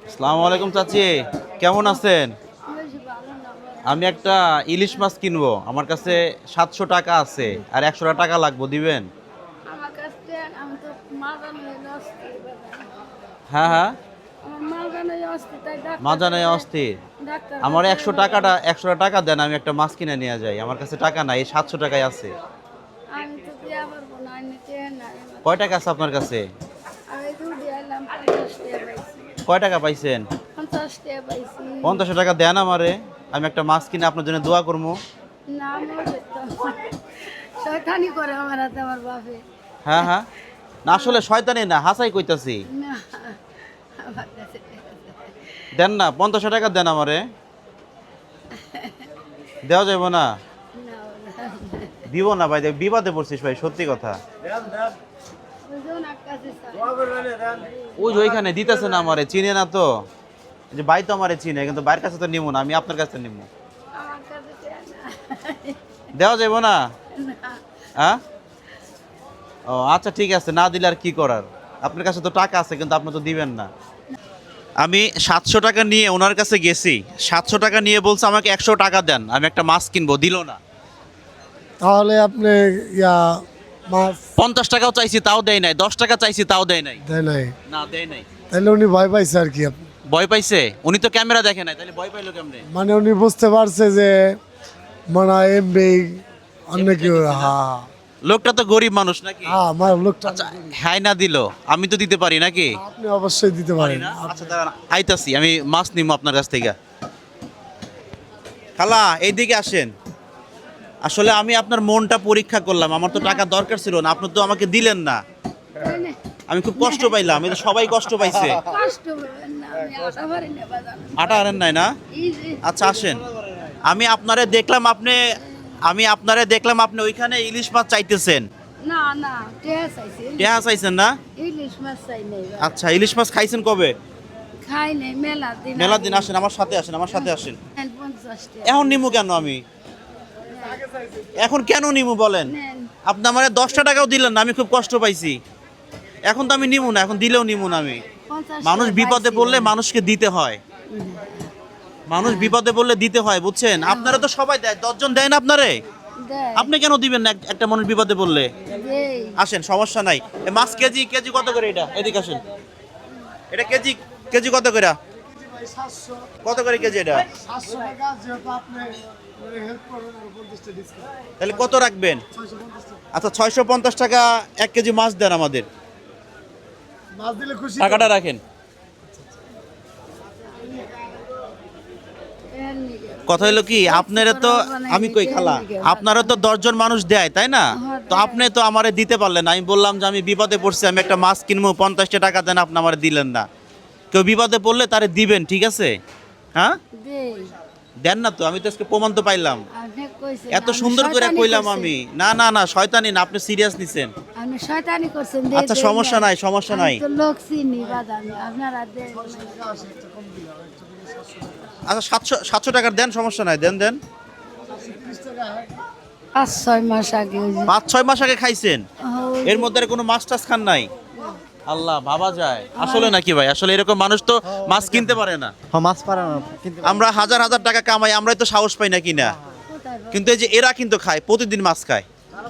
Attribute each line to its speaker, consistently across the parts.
Speaker 1: আসসালামু আলাইকুম চাচি, কেমন আছেন? আমি একটা ইলিশ মাছ কিনবো, আমার কাছে 700 টাকা আছে আর 100 টাকা লাগবে, দিবেন?
Speaker 2: আমার কাছে আমি তো মাজান হইলে অস্থির বাবা।
Speaker 1: হ্যাঁ হ্যাঁ,
Speaker 2: আমার মাজান হয়ে অস্থির তাই
Speaker 1: মাজা নাই অস্থির।
Speaker 2: ডাক্তার
Speaker 1: আমার 100 টাকা দেন, আমি একটা মাছ কিনে নিয়ে যাই। আমার কাছে টাকা নাই, এই 700 টাকাই আছে।
Speaker 2: আমি তো দিয়া পারবো না, আমি চেয়ে নাই।
Speaker 1: কয় টাকা আছে আপনার কাছে?
Speaker 2: আমি দুধ এলাম 50 টাকা পাইছি।
Speaker 1: কয় টাকা পাইছেন?
Speaker 2: 50 টাকা পাইছি।
Speaker 1: 50 টাকা দেন আমারে, আমি একটা মাছ কিনে আপনার জন্য দোয়া করবো।
Speaker 2: না মরে তো শয়তানি করে আমার হাতে আমার বাপে।
Speaker 1: হ্যাঁ হ্যাঁ, না আসলে শয়তানি না, হাসাই কইতাছি।
Speaker 2: না আমার কাছে
Speaker 1: দেন না, 50 টাকা দেন আমারে। দেওয়া যাবে না?
Speaker 2: না
Speaker 1: দিব না ভাই, দেখ বিবাদে পড়ছিস ভাই, সত্যি কথা।
Speaker 2: বুঝুন আকাশে
Speaker 1: ওই যে ওইখানে দিতেছে না আমারে, চিনে না তো। এই যে ভাই তো আমারে চিনে, কিন্তু ভাইয়ের কাছে তো নিবো না, আমি আপনার কাছে নিবো।
Speaker 2: আমার কাছে চেয়ে না।
Speaker 1: দেওয়া যাবে না?
Speaker 2: না
Speaker 1: হ্যাঁ, ও আচ্ছা ঠিক আছে, না দিলে আর কি করার। আপনার কাছে তো টাকা আছে, কিন্তু আপনি তো দিবেন না। আমি 700 টাকা নিয়ে ওনার কাছে গেছি, 700 টাকা নিয়ে বলছে আমাকে 100 টাকা দেন, আমি একটা মাছ কিনবো, দিল না।
Speaker 3: তাহলে আপনি ইয়া মাছ
Speaker 1: 50 টাকাও চাইছি তাও দেয় নাই, 10 টাকা চাইছি তাও দেয় নাই।
Speaker 3: দেয় নাই,
Speaker 1: না দেয় নাই।
Speaker 3: তাহলে উনি ভয় পাইছে আর কি আপনি।
Speaker 1: ভয় পাইছে? উনি তো ক্যামেরা দেখে নাই, তাহলে ভয় পাইলো কেমনে?
Speaker 3: মানে উনি বুঝতে পারছে যে মানে এমবি অন্য কেউ।
Speaker 1: দেখেছে না?
Speaker 3: হ্যাঁ
Speaker 1: লোকটা তো গরিব মানুষ নাকি?
Speaker 3: হ্যাঁ, আমার লোকটা
Speaker 1: আচ্ছা, হ্যাঁ না দিল, আমি তো দিতে পারি নাকি?
Speaker 3: আপনি অবশ্যই দিতে পারেন।
Speaker 1: আচ্ছা দাঁড়ান, আইতাছি, আমি মাছ নিবো আপনার কাছ থেকে। খালা এইদিকে আসেন। আসলে আমি আপনার মনটা পরীক্ষা করলাম, আমার তো টাকা দরকার ছিল না, আপনি তো আমাকে দিলেন না।
Speaker 2: তাই না?
Speaker 1: আমি খুব কষ্ট পাইলাম, এই তো সবাই কষ্ট পাইছে।
Speaker 2: কষ্ট করবেন না, আমি আশা পারি না বাজান।
Speaker 1: আটা আনেন নাই না?
Speaker 2: এই যে
Speaker 1: আচ্ছা আসেন, আমি আপনারে দেখলাম, আপনি ওইখানে ইলিশ মাছ চাইতেছেন।
Speaker 2: না না টেহা চাইছি,
Speaker 1: টেহা চাইছেন না?
Speaker 2: ইলিশ মাছ চাই নাই বাবা।
Speaker 1: আচ্ছা, ইলিশ মাছ খাইছেন কবে?
Speaker 2: খাই নাই মেলা দিন
Speaker 1: মেলা দিন আসেন, আমার সাথে আসেন, আমার সাথে আসেন।
Speaker 2: 50 টাকা
Speaker 1: এখন নিমু কেন আমি? এখন কেন নিমু বলেন?
Speaker 2: নেন।
Speaker 1: আপনি আমার 10 টাকাও দিলেন না, আমি খুব কষ্ট পাইছি। এখন তো আমি নিমু না, এখন দিলেও নিমু না আমি।
Speaker 2: 50
Speaker 1: মানুষ
Speaker 2: টাকা
Speaker 1: বিপদে
Speaker 2: পাইছি।
Speaker 1: পড়লে মানুষকে দিতে হয়। মানুষ বিপদে পড়লে দিতে হয়, বুঝছেন? আপনারা তো সবাই দেয়, 10 জন দেয় না আপনারে।
Speaker 2: দেয়।
Speaker 1: আপনি কেন দিবেন না একটা মানুষ বিপদে পড়লে?
Speaker 2: দেই।
Speaker 1: আসেন, সমস্যা নাই। এ মাছ কেজি কেজি কত করে এটা? এদিকে আসেন। এটা কেজি কেজি কত করে? কত করে কেজি এটা?
Speaker 3: 700 টাকা যেহেতু আপনি হেল্প করবেন, 50 টাকা ডিসকাউন্ট
Speaker 1: তাহলে কত রাখবেন?
Speaker 3: 650 টাকা।
Speaker 1: আচ্ছা, 650 টাকা 1 কেজি মাছ দেন আমাদের।
Speaker 3: মাছ দিলে খুশি।
Speaker 1: টাকাটা রাখেন।
Speaker 2: এর নিগে।
Speaker 1: কথা হলো কি, আপনারা তো, আমি কই খালা, আপনারা তো 10 জন মানুষ দেয় তাই না? তো আপনি তো আমারে দিতে পারলেন না। আমি বললাম যে আমি বিপদে পড়ছি, আমি একটা মাছ কিনবো, 50 টাকা দেন, আপনি আমারে দিলেন না। কেউ বিপদে পড়লে তারে দিবেন, ঠিক আছে? হ্যাঁ,
Speaker 2: দেই।
Speaker 1: দেন না তো, আমি তো আজকে প্রমাণ তো পাইলাম।
Speaker 2: আপনি কইছেন
Speaker 1: এত
Speaker 2: আমি
Speaker 1: সুন্দর করে
Speaker 2: শয়তানি
Speaker 1: কইলাম
Speaker 2: করছি।
Speaker 1: আমি। না না না, শয়তানি না, আপনি সিরিয়াস নিছেন।
Speaker 2: আপনি শয়তানি করছেন দেই।
Speaker 1: আচ্ছা,
Speaker 2: দেই
Speaker 1: সমস্যা নাই, সমস্যা নাই।
Speaker 2: আমি তো লোক চিনি বাদাম, আপনারা দেন।
Speaker 1: আচ্ছা, 700 টাকার দেন, সমস্যা নাই, দেন দেন।
Speaker 2: 5-6 মাস আগে ওই যে
Speaker 1: 5-6 মাস আগে খাইছেন?
Speaker 2: ওই
Speaker 1: এর মধ্যে আর কোনো মাছ টাছ খান নাই? আল্লাহ, ভাবা যায় আসলে নাকি ভাই? আসলে এরকম মানুষ তো মাছ কিনতে পারে না।
Speaker 4: হ্যাঁ, মাছ পারে না কিন্তু
Speaker 1: আমরা হাজার হাজার টাকা কামাই, আমরাই তো সাহস পাই না কিনা।
Speaker 2: কোথায় পাবো?
Speaker 1: কিন্তু এই যে এরা কিন্তু খায়, প্রতিদিন মাছ খায়,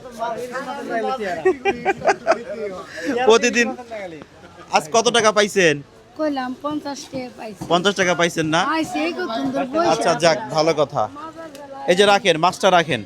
Speaker 1: প্রতিদিন। আজ কত টাকা পাইছেন?
Speaker 2: কইলাম 50 টাকা পাইছি।
Speaker 1: 50 টাকা পাইছেন না?
Speaker 2: আইছে এই কত সুন্দর বইছে।
Speaker 1: আচ্ছা যাক, ভালো কথা। এই যে রাখেন, মাছটা রাখেন।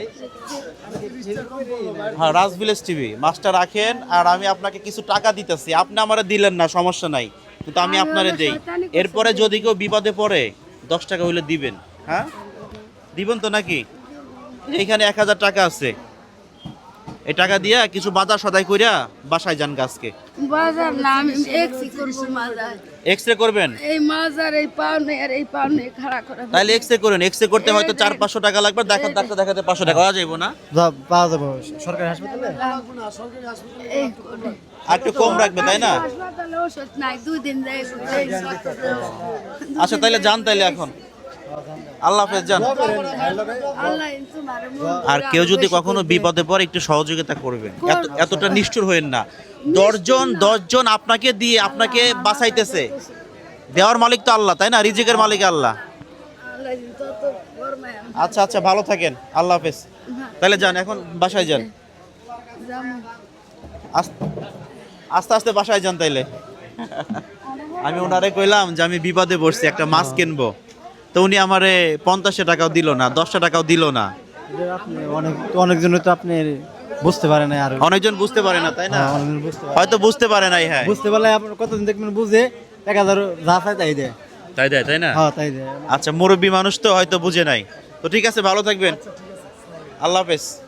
Speaker 1: হ্যাঁ, রাজ ভিলেজ টিভি, মাছটা রাখেন। আর আমি আপনাকে কিছু টাকা দিতেছি, আপনি আমারে দিলেন না, সমস্যা নাই, কিন্তু আমি
Speaker 2: আমি
Speaker 1: আপনারে
Speaker 2: হলো
Speaker 1: দেই।
Speaker 2: শয়তানি করছি।
Speaker 1: এরপরে যদি কেউ বিপদে পড়ে, 10 টাকা হইলে দিবেন। হ্যাঁ, দিবেন তো নাকি? এইখানে 1000 টাকা আছে, এই টাকা দিয়া কিছু বাজার সদাই কইরা বাসায় যান গাছকে।
Speaker 2: বাজার না, আমি এক্সি করবো মাজার।
Speaker 1: এক্সরে করবেন?
Speaker 2: এই মাজার এই পাওনে আর এই পাওনে খাড়া করে
Speaker 1: তাহলে এক্সরে করেন। এক্সরে করতে হয়তো 400-500 টাকা লাগবে, ডাক্তার দেখাতে 500 টাকা হওয়া যাইব না?
Speaker 4: পাওয়া যাবে সরকারি হাসপাতালে।
Speaker 2: এই করে।
Speaker 1: আর একটু কম রাখবে, তাই না?
Speaker 2: হাসপাতালে ওষুধ নাই, 2 দিন যাই
Speaker 1: আচ্ছা তাইলে যান, তাইলে এখন। আল্লাহ হাফেজ, যান।
Speaker 2: আল্লাহ তোমারে মন
Speaker 1: আর কেউ যদি কখনো বিপদে পড়ে, একটু সহযোগিতা করবেন, এতটা নিষ্ঠুর হইেন না। 10 জন আপনাকে দিয়ে আপনাকে বাঁচাইতেছে, দেওয়ার মালিক তো আল্লাহ, তাই না? রিজিকের মালিক আল্লাহ।
Speaker 2: আল্লাহ যত ফরমায় আমি
Speaker 1: আচ্ছা আচ্ছা, ভালো থাকেন, আল্লাহ হাফেজ। তাহলে যান, এখন বাসায় যান,
Speaker 2: যাবো।
Speaker 1: আস্তে আস্তে বাসায় যান তাইলে। আমি ওনারে কইলাম যে আমি বিপদে পড়ছি, একটা মাছ কিনবো, তো উনি আমারে 50 টাকাও দিল না, 10 টাকাও দিল না।
Speaker 4: আপনি অনেকজন তো আপনি বুঝতে পারে না আর
Speaker 1: অনেকজন বুঝতে পারে না, তাই না?
Speaker 4: অনেকজন বুঝতে পারে
Speaker 1: হয়তো বুঝতে পারে নাই। হ্যাঁ,
Speaker 4: বুঝতে পারলে আপনার কতদিন দেখবেন বুঝে 1000 যা চাই তাই দেয়।
Speaker 1: তাই দেয়, তাই না?
Speaker 4: হ্যাঁ তাই দেয়।
Speaker 1: আচ্ছা, মুরব্বী মানুষ তো হয়তো বুঝে নাই। তো ঠিক আছে, ভালো থাকবেন, আল্লাহ হাফেজ।